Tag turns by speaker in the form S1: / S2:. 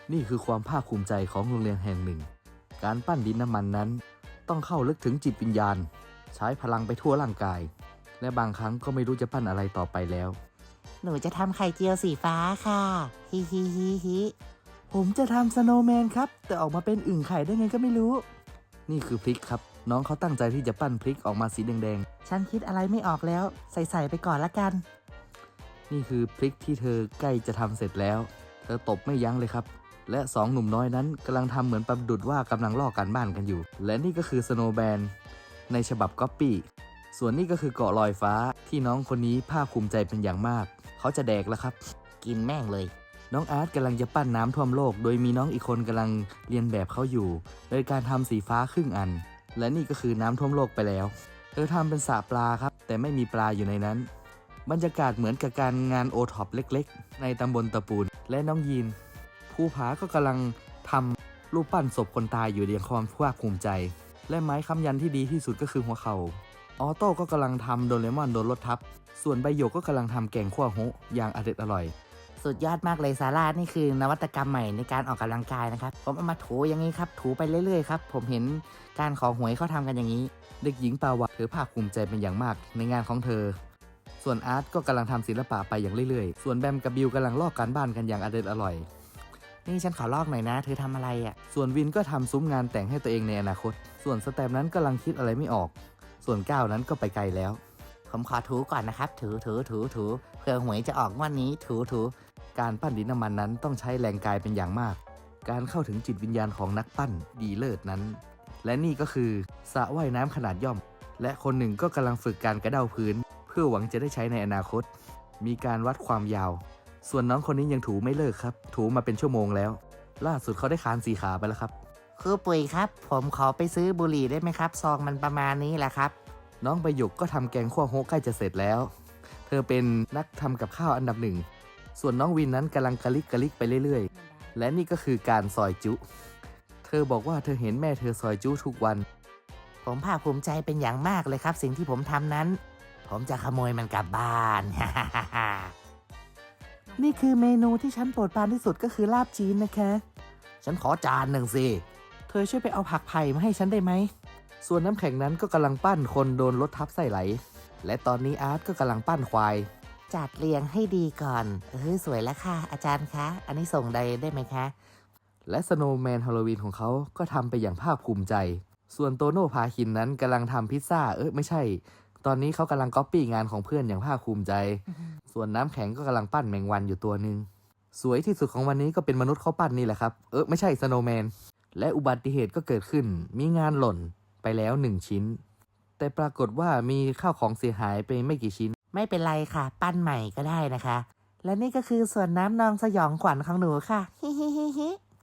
S1: นี่คือความภาคภูมิใจของโรงเรียนแห่งหนึ่งการปั้นดินน้ำมันนั้นต้องเข้าลึกถึงจิตวิญญาณใช้พลังไปทั่วร่างกายและบางครั้งก็ไม่รู้จะปั้นอะไรต่อไปแล้ว
S2: หนูจะทำไข่เจียวสีฟ้าค่ะฮิฮิฮิฮิ
S1: ผมจะทำสโนว์แมนครับแต่ออกมาเป็นอึ่งไข่ได้ไงก็ไม่รู้นี่คือพริกครับน้องเขาตั้งใจที่จะปั้นพริกออกมาสีแดง
S2: ฉันคิดอะไรไม่ออกแล้วใส่ไปก่อนละกัน
S1: ๆนี่คือพริกที่เธอใกล้จะทำเสร็จแล้วเธอตบไม่ยั้งเลยครับและสองหนุ่มน้อยนั้นกำลังทำเหมือนประดุจว่ากำลังลอกการบ้านกันอยู่และนี่ก็คือสโนว์แมนในฉบับก๊อปปี้ส่วนนี่ก็คือเกาะลอยฟ้าที่น้องคนนี้ภาคภูมิใจเป็นอย่างมากเขาจะแดกแล้วครับ
S2: กินแม่งเลย
S1: น้องอาร์ตกำลังจะปั้นน้ำท่วมโลกโดยมีน้องอีกคนกำลังเรียนแบบเขาอยู่โดยการทำสีฟ้าครึ่งอันและนี่ก็คือน้ำท่วมโลกไปแล้วเธอทำเป็นสระปลาครับแต่ไม่มีปลาอยู่ในนั้นบรรยากาศเหมือนกับการงานโอท็อปเล็กๆในตำบลตะปูนและน้องยีนภูผาก็กำลังทำรูปปั้นศพคนตายอยู่อย่างความภาคภูมิใจและไม้ค้ำยันที่ดีที่สุดก็คือหัวเข่าออโต้ก็กำลังทำโดเรมอนโดนรถทับส่วนใบหยกก็กำลังทำแกงขั่วโฮอย่างอร่อย
S2: สุดยอดมากเลยซาร่านี่คือนวัตกรรมใหม่ในการออกกำลังกายนะครับผมเอามาถูอย่างนี้ครับถูไปเรื่อยๆครับผมเห็นการขอหวยเขาทำกันอย่างนี้
S1: เด็กหญิงปาวาเธอภาคภูมิใจเป็นอย่างมากในงานของเธอส่วนอาร์ตก็กำลังทำศิลปะไปอย่างเรื่อยๆส่วนแบมกับบิวกำลังลอกการบ้านกันอย่างอร่อย
S2: นี่ฉันขอลอกหน่อยนะเธอทำอะไรอ่ะ
S1: ส่วนวินก็ทำซุ้มงานแต่งให้ตัวเองในอนาคตส่วนสแตมนั้นกำลังคิดอะไรไม่ออกส่วนก้าวนั้นก็ไปไกลแล้ว
S2: ผมขอถูก่อนนะครับถูเพื่อหวยจะออกงวดนี้ถู
S1: การปั้นดินน้ำมันนั้นต้องใช้แรงกายเป็นอย่างมากการเข้าถึงจิตวิญญาณของนักปั้นดีเลิศนั้นและนี่ก็คือสระว่ายน้ำขนาดย่อมและคนหนึ่งก็กำลังฝึกการกระเด้าพื้นเพื่อหวังจะได้ใช้ในอนาคตมีการวัดความยาวส่วนน้องคนนี้ยังถูไม่เลิกครับถูมาเป็นชั่วโมงแล้วล่าสุดเขาได้คาน4 ขาไปแล้วครับ
S2: ครูปุ๋ยครับผมขอไปซื้อบุหรี่ได้ไหมครับซองมันประมาณนี้แหละครับ
S1: น้องใบหยกก็ทำแกงขั่วโฮใกล้จะเสร็จแล้วเธอเป็นนักทำกับข้าวอันดับหนึ่งส่วนน้องวินนั้นกำลังกะลิกไปเรื่อยๆและนี่ก็คือการซอยจุเธอบอกว่าเธอเห็นแม่เธอซอยจุทุกวัน
S2: ผมภาคภูมิใจเป็นอย่างมากเลยครับสิ่งที่ผมทำนั้นผมจะขโมยมันกลับบ้าน
S1: นี่คือเมนูที่ฉันโปรดปรานที่สุดก็คือลาบจีนนะคะ
S2: ฉันขอจานหนึ่งสิ
S1: เธอช่วยไปเอาผักไผ่มาให้ฉันได้ไหมส่วนน้ำแข็งนั้นก็กำลังปั้นคนโดนรถทับไส้ไหลและตอนนี้อาร์ตก็กำลังปั้นควาย
S2: จัดเรียงให้ดีก่อนสวยแล้วค่ะอาจารย์คะอันนี้ส่งได้ไหมคะ
S1: และสโนว์แมนฮาโลวีนของเขาก็ทำไปอย่างภาคภูมิใจส่วนโตโน่พาคินนั้นกำลังทำพิซซ่าไม่ใช่ตอนนี้เขากำลังก๊อปปี้งานของเพื่อนอย่างภาคภูมิใจส่วนน้ำแข็งก็กำลังปั้นแมงวันอยู่ตัวหนึ่งสวยที่สุดของวันนี้ก็เป็นมนุษย์เขาปั้นนี่แหละครับไม่ใช่สโนว์แมนและอุบัติเหตุก็เกิดขึ้นมีงานหล่นไปแล้ว1 ชิ้นแต่ปรากฏว่ามีข้าวของเสียหายไปไม่กี่ชิ้น
S2: ไม่เป็นไรค่ะปั้นใหม่ก็ได้นะคะและนี่ก็คือส่วนน้ำนองสยองขวัญของหนูค่ะฮิฮิฮิฮิ